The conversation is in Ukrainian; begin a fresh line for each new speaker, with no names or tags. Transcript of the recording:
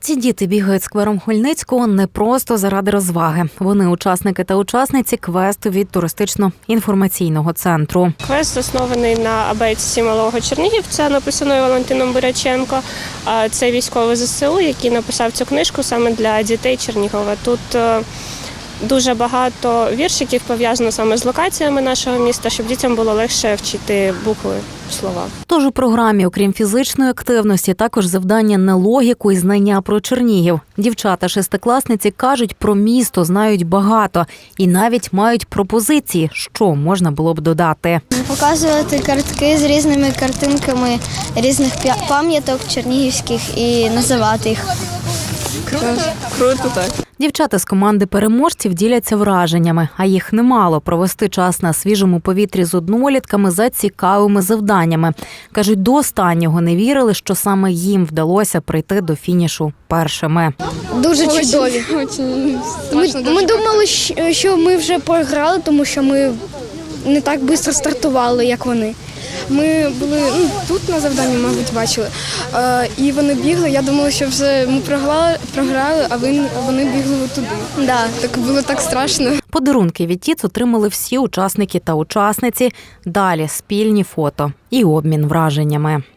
Ці діти бігають сквером Хмельницького не просто заради розваги. Вони учасники та учасниці квесту від туристично-інформаційного центру.
Квест заснований на абетці малого Чернігівця, написаної Валентином Буряченко. Це військовий ЗСУ, який написав цю книжку саме для дітей Чернігова. Тут дуже багато віршиків пов'язано саме з локаціями нашого міста, щоб дітям було легше вчити букви, слова.
Тож у програмі, окрім фізичної активності, також завдання на логіку і знання про Чернігів. Дівчата-шестикласниці кажуть, про місто знають багато і навіть мають пропозиції, що можна було б додати.
Показувати картки з різними картинками різних пам'яток чернігівських і називати їх.
Круто, так.
Дівчата з команди переможців діляться враженнями, а їх немало – провести час на свіжому повітрі з однолітками за цікавими завданнями. Кажуть, до останнього не вірили, що саме їм вдалося прийти до фінішу першими.
Дуже чудові. Ми думали, що ми вже програли, тому що ми не так швидко стартували, як вони.
Ми були тут на завданні, мабуть, бачили. І вони бігли, я думала, що вже ми програли, а вони бігли туди.
Да.
Так було так страшно.
Подарунки від ТІЦ отримали всі учасники та учасниці. Далі спільні фото і обмін враженнями.